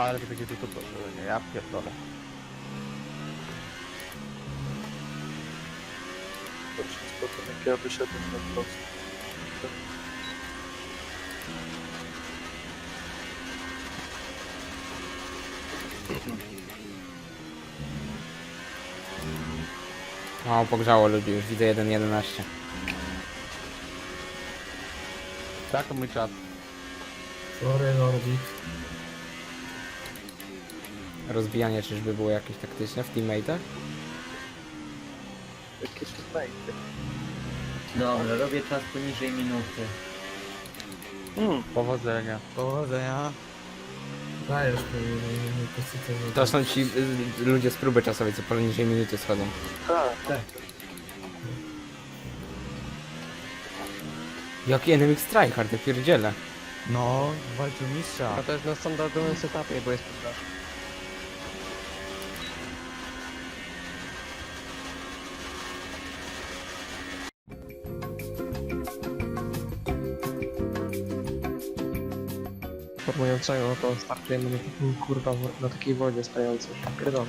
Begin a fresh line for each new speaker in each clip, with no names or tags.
Ale to będzie tu, nie, ja pierdolę.
To wszystko, to jak ja wyszedłem na prosto.
O, pogrzało ludzi, już widzę 1.11.
Tak, to mój czas.
Sorry, Lordzik.
Rozbijanie czyżby było jakieś taktyczne w teammate'ach?
Jakieś znajdzie.
Dobra, robię czas poniżej minuty.
Powodzenia.
Powodzenia. Dajesz mi pozytywnie.
To są ci ludzie z próby czasowej, co poniżej minuty schodzą.
Tak.
Jaki NMX tryhard, ja pierdzielę.
No, walczył mistrza.
A to jest na standardowym setupie, bo jest poddasz. Formującego, no to startujemy na takim kurwa, na takiej wodzie stającej. Pierdolę.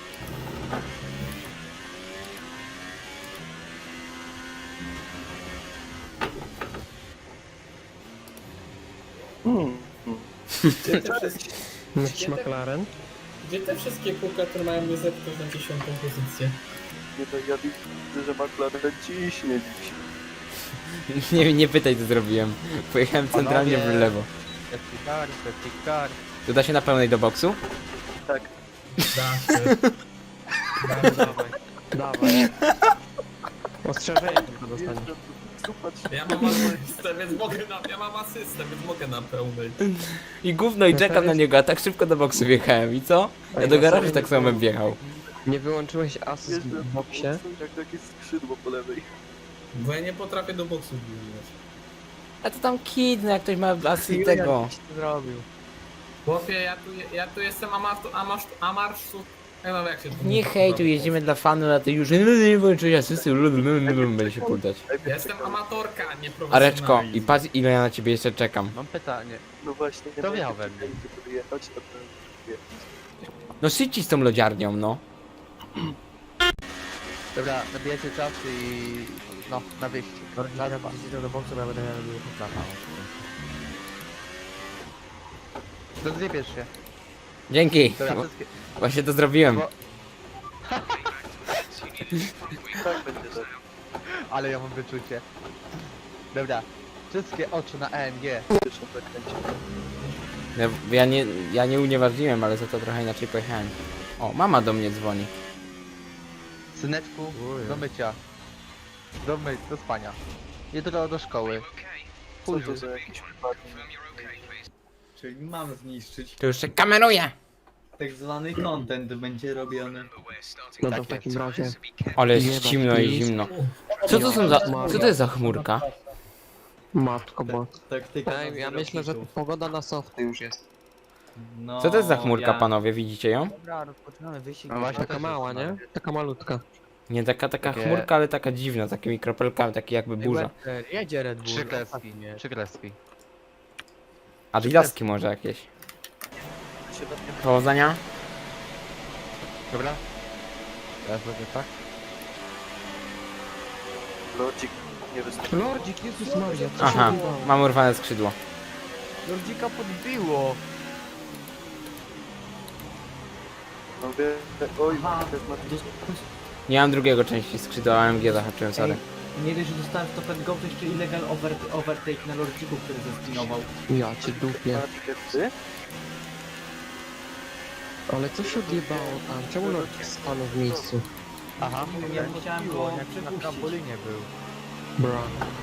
Gdzie te wszystkie,
Jakiś McLaren?
gdzie te wszystkie kółka, które mają mnie zepchnąć na 10. pozycję?
Nie no, ja widzę, że McLaren ciśnie dziś.
Nie pytaj, co zrobiłem. Pojechałem centralnie w lewo.
Safety car.
To da się na pełnej do boksu?
Tak.
Da się.
Dawaj. Dawaj. Ostrzeżenie tylko dostaniesz.
Jeżdżę, super.
Ja mam asystę, więc mogę na pełnej.
I gówno i czekam na niego, a tak szybko do boksu wjechałem. I co? Ja do garażu tak samo bym wjechał.
Nie wyłączyłeś asyst
Jeżdżę
w boksie?
jak takie skrzydło po lewej.
Bo ja nie potrafię do boksu wbić.
A to tam kid, no jak ktoś ma asy tego.
Co zrobił?
Chłopie, ja tu jestem amarsu. Ja wiem jak się to
Nie
mówi,
hej, tu
kurwa.
jeździmy dla fanu, a ty już nie włączyłeś asysty, będzie się pultać.
Ja jestem amatorka, a nie profesjonalista.
Areczko, i patrz ile ja na ciebie jeszcze czekam.
Mam pytanie.
No właśnie,
To miał we mnie.
Żeby jechać, to ten...
No szybciej z tą lodziarnią, no.
Dobra, nabijacie czas i... No, na wyjście.
Lordzik, jak do boksu, bo ja będę miał poplata.
To zjebiesz się.
Dzięki.
Dobra, wszystkie...
Właśnie to zrobiłem.
Bo-
Tak będzie tak.
Ale ja mam wyczucie. Dobra. Wszystkie oczy na AMG.
Zresztą zakręcił.
Ja nie unieważniłem, ale za to trochę inaczej pojechałem. O, mama do mnie dzwoni.
Syneczku,
Ujej.
do mycia. Do spania. Jutro do szkoły.
Co
Później.
to za jakiś wypadek?
Czyli mam zniszczyć.
To już się kameruje.
Tak zwany content będzie robiony.
No to w takim razie.
Ale jest zimno i zimno. Co to są za... Co to jest za chmurka?
Matko bo.
Taktyka
Ja myślę, że pogoda na softy już jest.
No,
Co to jest za chmurka,
ja...
panowie? Widzicie ją?
Dobra, rozpoczynamy wyścig.
No właśnie, taka mała, nie? Taka malutka.
Nie taka
Takie-
chmurka, ale taka dziwna, takimi kropelkami, taki jakby burza.
Jedzie Red Bull.
Trzy kreski.
Fajnie.
Trzy kreski.
Adidaski może jakieś.
Się na mnie
Powodzenia.
Dobra? Teraz będzie tak?
Lordzik nie wystąpił.
Lordzik, Jezus Maria, co
Aha,
się dzieje?
mam urwane skrzydło.
Lordzika podbiło.
No wie... Oj,
Aha,
też ma...
Nie mam drugiego części skrzydła, AMG zahaczyłem, sorry.
Nie dość, że dostałem stop and go, to jeszcze illegal overtake na Lordziku, który zespinował.
Ja cię dupię.
Ma tikety?
Ale co się odjebało tam? Czemu Lordzik stanął w miejscu?
Aha,
Ja chciałem go
jak na
przepuścić.
trampolinie był.
Bra.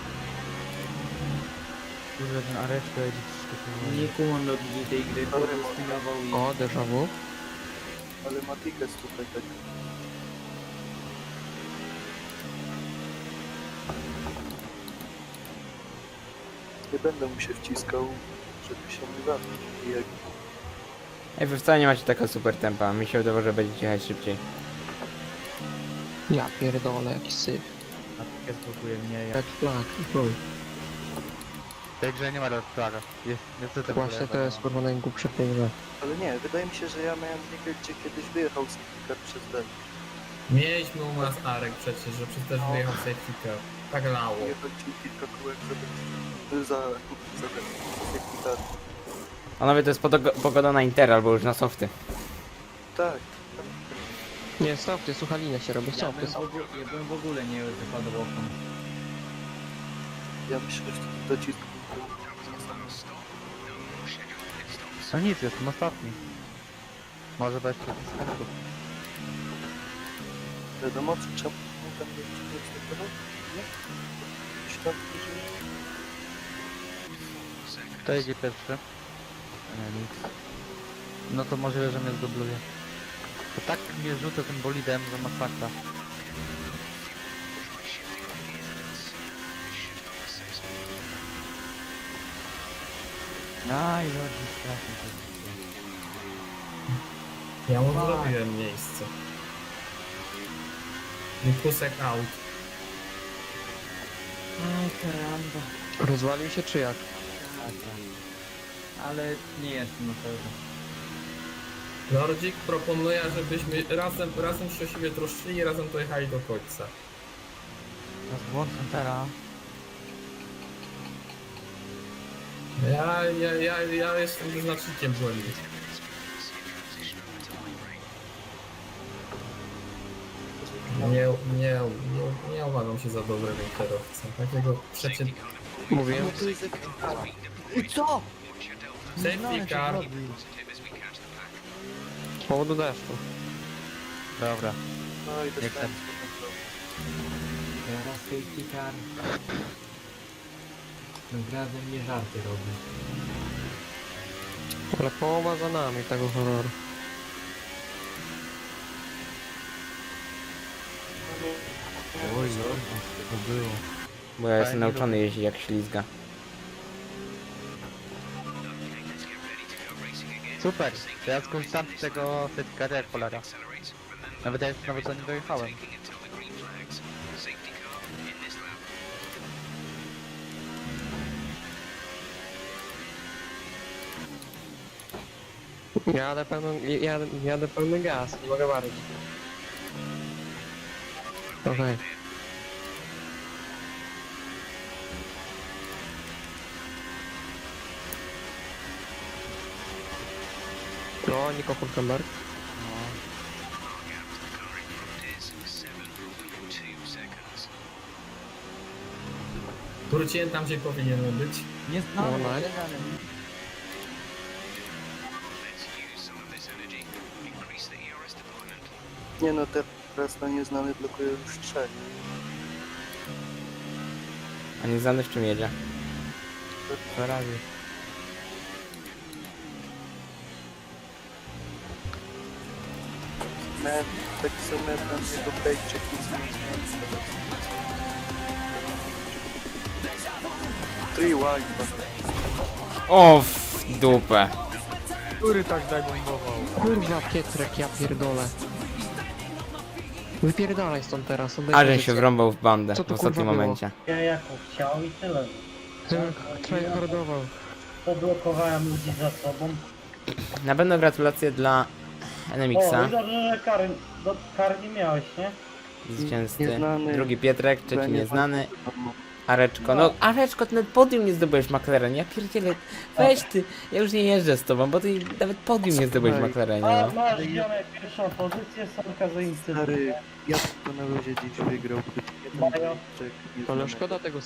Kurde, ten Areczko jedzie wszystko.
Nie kumam logiki tej gry, bo
Dobry
zespinował i...
O, déjà vu.
Ale ma ticket tutaj tak. Nie będę mu się wciskał, żeby się nie zabić. I jak
Ej, wy wcale nie macie taka super tempa, mi się wydawało, że będziecie jechać szybciej.
Ja pierdolę, jaki syf.
A pies blokuje mnie, ja...
Jak flag. Chuj.
W tej grze nie ma rozprawy. Jest niestety
Właśnie to jest kurwa najgłupsze w tej grze.
Ale nie, wydaje mi się, że ja miałem ligę, gdzie kiedyś wyjechał safety car przez D.
Mieliśmy u nas Arek przecież, że przecież też wyjechał safety car. Tak lało.
Jechał ci kilka kółek za safety car.
Panowie, to jest pogoda na Inter albo już na softy.
Tak.
Nie, stopty, słuchalinę się robi,
Ja
stopty.
bym w ogóle nie wypadł oknem.
Ja myślę, że to docisk.
No nic, jestem ostatni. Może dać się wstępu.
Wiadomo, co trzeba tam nie tego? Nie? Myślałem, że...
Kto jedzie pierwszy? Nie, nic. No to możliwe, że mnie zdubluje. To tak mnie rzucę tym bolidem, że masakra. Aj, Lordzi, strasznie to jest.
Ja mu zrobiłem miejsce. Kusek out.
Aj, karamba.
Rozwalił się czy jak?
Ale nie jestem na pewno.
Lordzik proponuje, żebyśmy razem się o siebie troszczyli i razem dojechali do końca.
Rozłączam teraz.
Ja jestem wyznacznikiem błędu. Nie uważam się za dobrego kierowcę. Takiego przecież...
Mówiłem.
I co?
Safety car.
Z powodu deszczu.
Dobra.
No i
Jak
dostałem.
Teraz safety car. Razem nie żarty robi.
Ale połowa za nami tego horroru.
Oj, Lordzi, to było.
Bo ja jestem nauczony jeździć jak ślizga.
Super, to ja skorzystam z tego certyfikatu jak cholera. Nawet ja jeszcze nawet za nie dojechałem.
Jadę pełny gaz, nie mogę bardziej. Okej. No, Nico Hulkenberg.
Wróciłem tam, gdzie powinienem być.
Nie znam,
No, nice.
Nie no, teraz na nieznany blokuje już 3.
A nie znany w czym jedzie.
Ferrari.
Miałem taki sam jak na niego pejczyk i zmieniłem. 3 wide.
O, w dupę.
Który tak zagłębował?
Kurwa Pietrek, ja pierdolę. Wypierdalaj stąd teraz, oddaj
A żem
pozycję.
się wrąbał w bandę
Co
w
to,
ostatnim
kurwa, było?
momencie.
Ja jako chciał i tyle.
Tryhardował.
Poblokowałem ludzi za sobą.
Na pewno gratulacje dla
O,
NMX-a.
i dobrze, że kar nie miałeś, nie?
Zwycięzcy.
Nieznany.
Drugi Pietrek, trzeci
Będzie-
nieznany. Areczko, no Areczko, ty nawet podium nie zdobyłeś McLaren, ja pierdzielę, weź ty, ja już nie jeżdżę z tobą, bo ty nawet podium nie zdobyłeś w
Słuchaj.
McLarenie,
A
no.
masz ziomek pierwszą pozycję, Sorka za incydent.
Stary, ja to na luzie dziś wygrał.
Mają.
Pejczyk i
Ale
znany.
szkoda tego